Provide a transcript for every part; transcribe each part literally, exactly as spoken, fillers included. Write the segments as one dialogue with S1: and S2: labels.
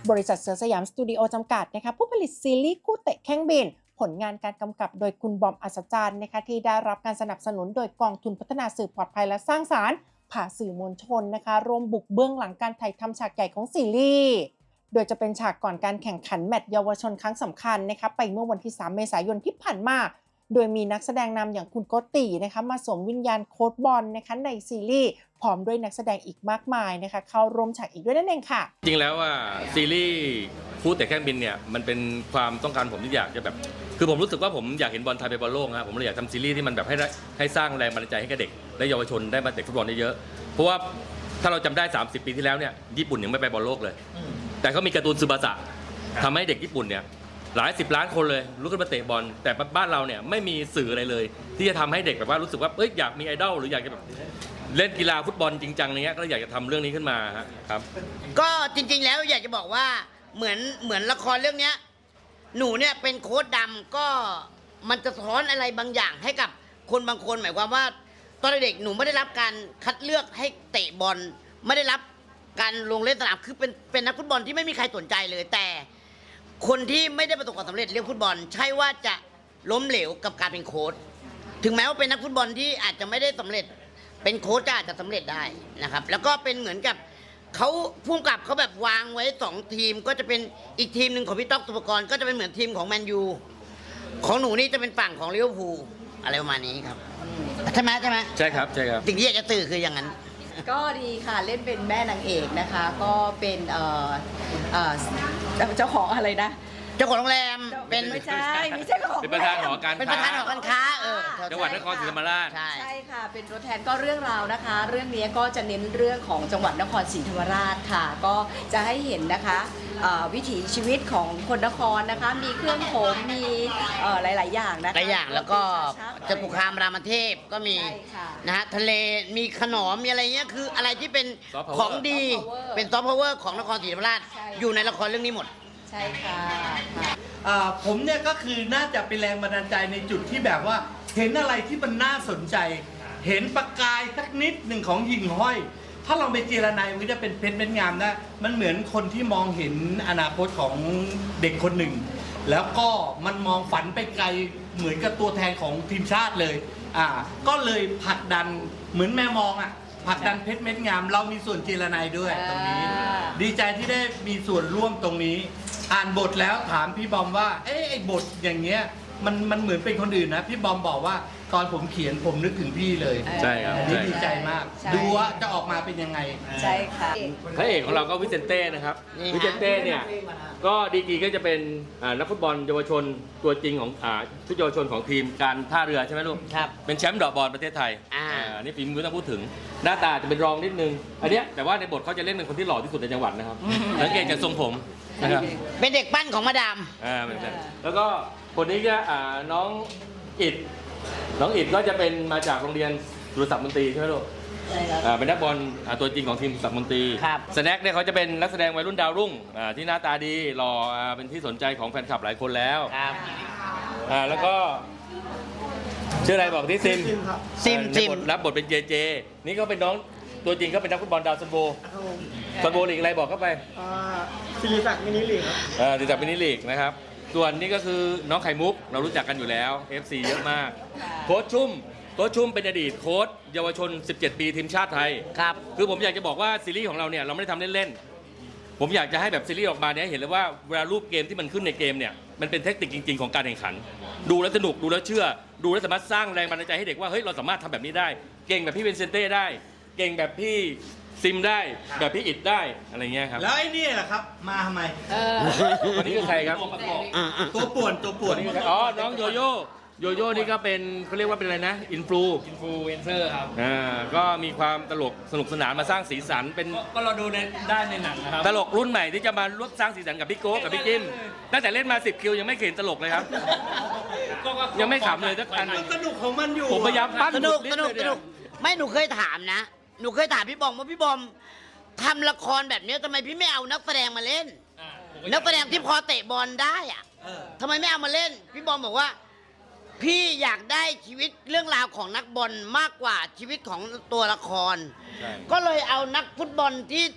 S1: บริษัทเสือสยามสตูดิโอจำกัดนะคะผู้ผลิตซีรีส์คู่เตะแข้งบินผลงานการกำกับโดยคุณบอมอัศจรรย์นะคะที่ได้รับการสนับสนุนโดยกองทุนพัฒนาสื่อปลอดภัยและสร้างสรรค์ผ่าสื่อมวลชนนะคะรวมบุกเบื้องหลังการถ่ายทำฉากใหญ่ของซีรีส์โดยจะเป็นฉากก่อนการแข่งขันแมตช์เยาวชนครั้งสำคัญนะคะไปเมื่อวันที่สามเมษายนที่ผ่านมาโดยมีนักแสดงนำอย่างคุณโกตินะคะมาสวมวิญญาณโค้ชบอลนะคะในซีรีส์พร้อมด้วยนักแสดงอีกมากมายนะคะเข้าร่วมฉากอีกด้วยนั่นเองค่ะ
S2: จริงแล้วว่าซีรีส์คู่เตะแข้งบินเนี่ยมันเป็นความต้องการผมที่อยากจะแบบคือผมรู้สึกว่าผมอยากเห็นบอลไทยไปบอลโลกนะผมเลยอยากทำซีรีส์ที่มันแบบให้ให้สร้างแรงบันดาลใจให้กับเด็กและเยาวชนได้มาเตะฟุตบอลได้เยอะเพราะว่าถ้าเราจำได้สามสิบปีที่แล้วเนี่ยญี่ปุ่นยังไม่ไปบอลโลกเลยแต่เขามีการ์ตูนซึบาสะทำให้เด็กญี่ปุ่นเนี่ยหลายสิบล้านคนเลยลุกขึ้นมาเตะบอลแต่บ้านเราเนี่ยไม่มีสื่ออะไรเลยที่จะทำให้เด็กแบบว่ารู้สึกว่าเอ้ยอยากมีไอดอลหรืออยากจะแบบเล่นกีฬาฟุตบอลจริงจังเนี้ยก็เลยอยากจะทำเรื่องนี้ขึ้นมาครับ
S3: ก็จริงๆแล้วอยากจะบอกว่าเหมือนเหมือนละครเรื่องนี้หนูเนี่ยเป็นโค้ชดำก็มันจะสะท้อนอะไรบางอย่างให้กับคนบางคนหมายความว่าตอนเด็กหนูไม่ได้รับการคัดเลือกให้เตะบอลไม่ได้รับการลงเล่นสนามคือเป็นเป็นนักฟุตบอลที่ไม่มีใครสนใจเลยแต่คนที่ไม่ได้ประสบความสำเร็จเรื่องฟุตบอลใช่ว่าจะล้มเหลวกับการเป็นโค้ชถึงแม้ว่าเป็นนักฟุตบอลที่อาจจะไม่ได้สำเร็จเป็นโค้ชก็อาจจะสำเร็จได้นะครับแล้วก็เป็นเหมือนกับเขาพุ่งกับเขาแบบวางไว้สองทีมก็จะเป็นอีกทีมหนึ่งของพี่ต๊อกสุภกรก็จะเป็นเหมือนทีมของแมนยูของหนูนี่จะเป็นฝั่งของลิเวอร์พูลอะไรประมาณนี้ครับใช่ไหมใช่ไหม
S2: ใช่ครับใช่ครับ
S3: สิ่งที่อยากจะสื่อคืออย่างนั้น
S4: ก็ดีค่ะเล่นเป็นแม่นางเอกนะคะก็เป็นเอ่อเอ่อเจ้าของอะไรนะ
S3: เจ้าของโรงแรมเป็น
S4: ไม่ใช่ไม่ใช่ของ
S2: เป็นประธานหอการค้า
S3: เป็นประธานหอการค้าเออ
S2: จังหวัดนครศรีธรรมราช
S4: ใช่ใช่ค่ะเป็นตัวแทนก็เรื่องราวนะคะ เรื่องนี้ก็จะเน้นเรื่องของจังหวัดนครศรีธรรมราชค่ะก็จะให้เห็นนะคะวิถีชีวิตของคนนครนะคะมีเครื่องผมมีหลายๆอย่างนะคะ
S3: หลายอย่างแล้วก็จะปุคามรามเทพก็มีนะฮะทะเลมีขนมมีอะไรเงี้ยคืออะไรที่เป็นของดีเป็นซอฟต์พาวเวอร์ของนครศรีธรรมราชอยู่ในละครเรื่องนี้หมด
S4: ใช่ค่ะ
S5: ผมเนี่ยก็คือน่าจะเป็นแรงบันดาลใจในจุดที่แบบว่าเห็นอะไรที่มันน่าสนใจเห็นประกายสักนิดหนึ่งของหญิงห้อยถ้าลองไปเจรนายมันก็จะเป็นเพชรเม็ดงามนะมันเหมือนคนที่มองเห็นอนาคตของเด็กคนหนึ่งแล้วก็มันมองฝันไปไกลเหมือนกับตัวแทนของทีมชาติเลยอ่าก็เลยผลักดันเหมือนแม่มองอ่ะผลักดันเพชรเม็ดงามเรามีส่วนเจรนายด้วยตรงนี้ดีใจที่ได้มีส่วนร่วมตรงนี้อ่านบทแล้วถามพี่บอมว่าเอ๊ะไอ้บทอย่างเงี้ยมันมันเหมือนเป็นคนอื่นนะพี่บอมบอกว่าตอนผมเขียนผมนึกถึงพี่เลย
S2: ใช่ครับ
S5: นี่ดีใจมากดูว่าจะออกมาเป็นยังไง
S4: ใช่ค่ะ
S2: พระเอกของเราก็วิเซนเต้นะครับวิเซนเต้เนี่ยก็ดีกรีก็จะเป็นนักฟุตบอลเยาวชนตัวจริงของชุดเยาวชนของทีมการท่าเรือใช่ไหมลูก
S3: ครับ
S2: เป็นแชมป์ดอกบอลประเทศไทยอ่านี่ฝีมือต้องพูดถึงหน้าตาจะเป็นรองนิดนึงอันเนี้ยแต่ว่าในบทเขาจะเล่นเป็นคนที่หล่อที่สุดในจังหวัดนะครับสังเกตจากทรงผมนะครับ
S3: เป็นเด็กปั้นของมาดาม
S2: อ่าแล้วก็คนนี้ก็น้องอิดน้องอิดก็จะเป็นมาจากโรงเรียนสุรศักดิ์มนตรีใช่ไหมลูกใช่ครับเป็นนักบอลตัวจริงของทีมสุรศักดิ์มนตรี
S3: ครับ
S2: สแน็คเนี่ยเขาจะเป็นนักแสดงวัยรุ่นดาวรุ่งที่หน้าตาดีหล่อเป็นที่สนใจของแฟนคลับหลายคนแล้ว
S3: ครับ
S2: แล้วก็ชื่ออะไรบอกที่ซิม
S3: ซิมซิม
S2: รับบทเป็นเจเจนี่ก็เป็นน้องตัวจริงก็เป็นนักฟุตบอลดาวซันโบซันโบลีกอะไรบอกเข้าไป
S6: ศิริศักดิ์มินิลีกครับ
S2: ศิริศักดิ์มินิลีกนะครับส่วนนี้ก็คือน้องไข่มุกเรารู้จักกันอยู่แล้ว เอฟ ซี เยอะมากโค้ชชุ่มโค้ชชุ่มเป็นอดีตโค้ชเยาวชนสิบเจ็ดปีทีมชาติไทย
S3: ครับ
S2: คือผมอยากจะบอกว่าซีรีส์ของเราเนี่ยเราไม่ได้ทำเล่นๆผมอยากจะให้แบบซีรีส์ออกมาเนี่ยเห็นเลยว่าเวลารูปเกมที่มันขึ้นในเกมเนี่ยมันเป็นเทคนิคจริงๆของการแข่งขันดูแล้วสนุกดูแล้วเชื่อดูแล้วสามารถสร้างแรงบันดาลใจให้เด็กว่าเฮ้ยเราสามารถทำแบบนี้ได้เก่งแบบพี่เวนเซนเต้ได้เก่งแบบพี่ซิมได้แบบพี่อิดได้อะไรเงี้ยครับ
S5: แล้วไอ้นี่แหละครับมาทำไม
S2: วันนี้คือใครครับ
S5: ตัวป่วนตัวป่วน
S2: อ๋อน้องโยโย่โยโย่นี่ก็เป็นเขาเรียกว่าเป็นอะไรนะอินฟลู
S6: อินฟลูเอนเซอร์ครับ
S2: อ่าก็มีความตลกสนุกสนานมาสร้างสีสันเป็น
S6: ก็เราดูในได้ในหนังนะครับ
S2: ตลกรุ่นใหม่ที่จะมาร่วมสร้างสีสันกับพี่โก้กับพี่จิ้มตั้งแต่เล่นมาสิบคิวยังไม่เห็นตลกเลยครับยังไม่ขำเลยสักอัน
S5: สนุกของมันอยู่
S2: ผมพยายามปั้น
S3: สนุกสนุกสนุกไม่หนูเคยถามนะหนูเคยถามพี่บอมว่าพี่บอมทำละครแบบนี้ทำไมพี่ไม่เอานักแสดงมาเล่นนักแสดงที่พอเตะบอลได้อะทำไมไม่เอามาเล่นพี่บอมบอกว่าพี่อยากได้ชีวิตเรื่องราวของนักบอลมากกว่าชีวิตของตัวละครก็เลยเอานักฟุตบอลที่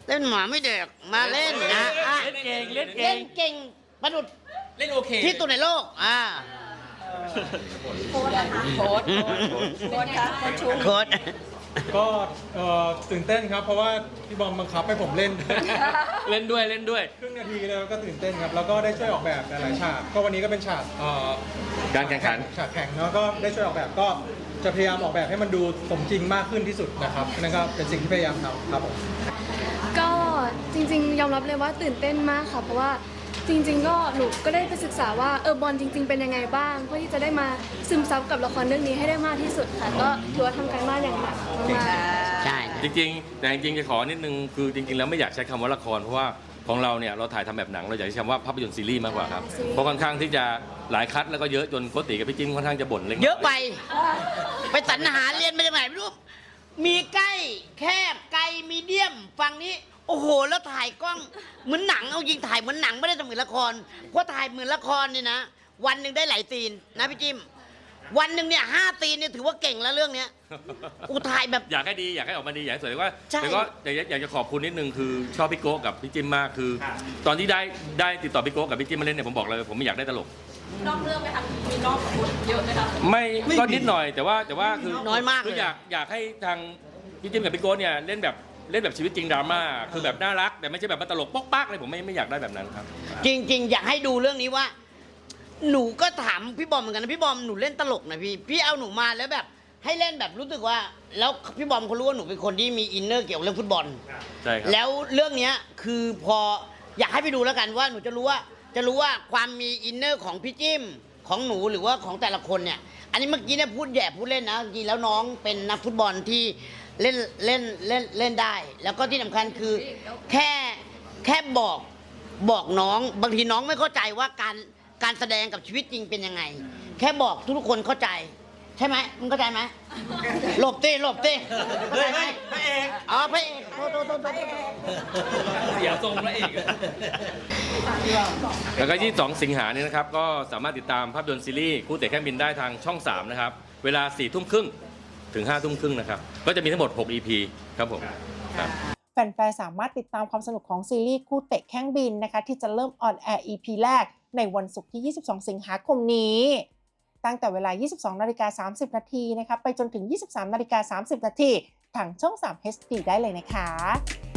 S3: เล่นหมาไม่เด็กมาเล่นนะอ่ะ
S2: เล่นเก่งเล่นเก่
S3: เล่
S2: ง
S3: นเก่งประดุด
S2: เล่นโอเค
S3: ที่สุดในโลกอ่า
S4: โค้ดนะคะโค้ดโค้ดค่ะโค้ดชุม
S3: โค้ด
S6: ก็เอ่อตื่นเต้นครับ เพราะว่าพี่บอมบังคับให้ผมเล่น
S2: เล่นด้วยเล่นด้วย
S6: ครึ่งนาทีแล้วก็ตื่นเต้นครับ แล้วก็ได้ช่วยออกแบบหลายๆฉาก ก็วันนี้ก็เป็นฉากเอ่อ
S2: การแข่งขัน
S6: ฉากแข่งเนาะก็ได้ช่วยออกแบบก็จะพยายามออกแบบให้มันดูสมจริงมากขึ้นที่สุดนะครับนั่นก็เป็นสิ่งที่พยายามทำครับผม
S7: ก็จริงๆ ยอมรับเลยว่าตื่นเต้นมากค่ะ เพราะว่าจริง ๆ ก็หนูก็ได้ไปศึกษาว่าเออบอลจริง ๆ เป็นยังไงบ้างเพื่อที่จะได้มาซึมซับกับละครเรื่องนี้ให้ได้มากที่สุดค่ะ ก็ถือว่าทำการบ้านอย่างหนักมากๆ
S3: ใช่
S2: จริงๆ แต่จริงๆ จะขอนิดนึง คือจริงๆ แล้วไม่อยากใช้คำว่าละคร เพราะว่าของเราเนี่ยเราถ่ายทำแบบหนัง เราอยากใช้คำว่าภาพยนตร์ซีรีส์มากกว่าครับ เพราะค่อนข้างที่จะหลายคัดแล้วก็เยอะจนโกติกับพี่จิ้มค่อนข้างจะบ่นเล็กน้
S3: เยอะไป ไปสรรหาเรียนมาจากไหนไม่รู้ มีใกล้แคบไกลมีเดียมฝั่งนี้ โอ้โห แล้วถ่ายกล้องเหมือนหนังเอายิงถ่ายเหมือนหนังไม่ได้ทำเหมือนละครเพราะถ่ายเหมือนละครนี่นะ วันหนึ่งได้หลายซีนนะพี่จิ้มวันหนึ่งเนี่ยห้าซีนเนี่ยถือว่าเก่งแล้วเรื่องเนี้ยอูถ่ายแบบ
S2: อยากให้ดีอยากให้ออกมาดีอยากให้สวยแต่ว่า
S3: ใช่
S2: แต่ก็อยากจะอยากจะขอบคุณนิดนึงคือชอบพี่โก้กับพี่จิ้มมากคือ ตอนที่ได้ได้ติดต่อพี่โก้กับพี่จิ้มมาเล่นเนี่ยผมบอกเลยผมไม่อยากได้ตลก
S4: นอกเรื่องไหมคะมีนอกบทเยอะไหมคะ
S2: ไม่ก็นิดหน่อยแต่ว่าแต่ว่าคือ
S3: น้อยมาก
S2: คือ
S3: เลย
S2: อยากอยากให้ทางพี่จิ้มกับพี่โก้เนี่ยเล่นแบบเล่นแบบชีวิตจริงดราม่าคือแบบน่ารักแต่ไม่ใช่แบบว่าตลกป๊อกปักเลยผมไม่ไม่อยากได้แบบนั้นครับ
S3: จริง ๆ อยากให้ดูเรื่องนี้ว่า หนูก็ถามพี่บอมเหมือนกันนะพี่บอมหนูเล่นตลกนะพี่พี่เอาหนูมาแล้วแบบให้เล่นแบบรู้สึกว่า แล้วพี่บอมเขารู้ว่าหนูเป็นคนที่มีอินเนอร์เกี่ยวกับเรื่องฟุตบอล
S2: ใช่ครับ
S3: แล้วเรื่องเนี้ยคือพออยากให้ไปดูแล้วกันว่าหนูจะรู้ว่าจะรู้ว่าความมีอินเนอร์ของพี่จิ้มของหนูหรือว่าของแต่ละคนเนี่ย อันนี้เมื่อกี้เนี่ยพูดแย่พูดเล่นนะจริงๆแล้วน้องเป็นนักฟุตบอลที่เล่นเล่นเล่นเล่นได้ แล้วก็ที่สำคัญคือแค่แค่บอกบอกน้องบางทีน้องไม่เข้าใจว่าการการแสดงกับชีวิตจริงเป็นยังไง แค่บอกทุกคนเข้าใจ ใช่ไหมมึงเข้าใจไหมหลบเต้หลบเต้เข้าใจไหม
S5: พระเอก
S3: อ๋อพระเอกโทษโทษโทษโทษ
S2: เสียทรงพระเอกแล้วก็ยี่สิบสองสิงหาเนี่ยนะครับก็สามารถติดตามภาพยนตร์ซีรีส์คู่เตะแค่บินได้ทางช่องสามนะครับเวลาสี่ทุ่มครึ่งถึงห้าทุ่มครึ่งนะครับก็จะมีทั้งหมดหก อี พี ครับผมครับ
S1: แฟนๆ สามารถติดตามความสนุกของซีรีส์คู่เตะแข้งบินนะคะที่จะเริ่มออนแอร์ อี พี แรกในวันศุกร์ที่ ยี่สิบสอง สิงหาคมนี้ ตั้งแต่เวลา ยี่สิบสองนาฬิกาสามสิบ นาทีนะคะไปจนถึง ยี่สิบสามนาฬิกาสามสิบ นาทีทางช่อง สาม เอช ดี ได้เลยนะคะ